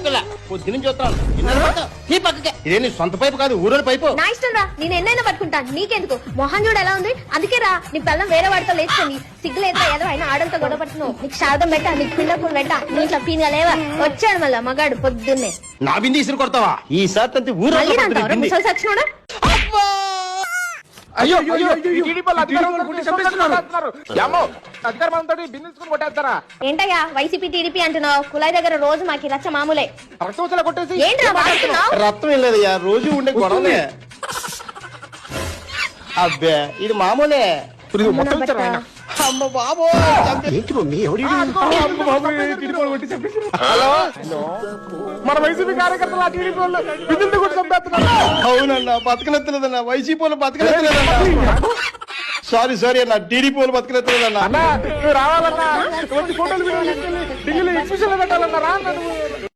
పిల్ల పొద్దున చూస్తాను ఈ పక్కకే ఇదే నీ సొంత పైపు కాదు ఊరోని పైపు. నా ఇష్టం రా, నేను ఎన్నైనా పట్టుకుంటాను, నీకెందుకు? మొహం చూడు ఎలా ఉంది, అందుకే రా నీ పిల్లం వేరే వాడితో లేచుకుంది. సిగ్గులేదా ఏదో అయినా ఆడలతో గొడవ పడుతున్నావు. నీకు శారదం పెట్టా, నీకు పిండకులు పెట్టా, నీ ఇట్లా పీనుగా లేవా? వచ్చాడు మళ్ళా మగాడు పొద్దున్నే. నా బింది ఇసురు కొడతావా? ఈసారి తంతి ఊరు ముసలి సచ్చినోడా. అయ్యో అధికారంతో బిందుకుని కొట్టేస్తారా? ఏంటయ్యా వైసీపీ టీడీపీ అంటున్నావు? కులాయి దగ్గర రోజు మాకి రచ్చ మామూలే. రక్తం కొట్టేసి ఏంట్రా వాడుతున్నావు? రక్తం ఏం లేదయ్యా, రోజు ఉండే గొడవలే. అబ్బే ఇది మామూలే. అమ్మ బాబో ఏంటి మమ్మీ ఎవరి హలో మన వైసీపీ కార్యకర్తలు టీడీపీ వాళ్ళు బిందులు కొట్టి చంపేస్తున్నారు. అవునన్నా బతకనెత్తలేదన్నా, వైసీపీ వాళ్ళు బతకనెత్తలేదన్నా. సారీ అన్న, టీడీపీ వాళ్ళు బతకనెత్తలేదన్నా. అన్నా నువ్వు రావాలన్నా ఫోటోలు ఢిల్లీలో ఎగ్జిబిషన్ లో పెట్టాలన్నా రా.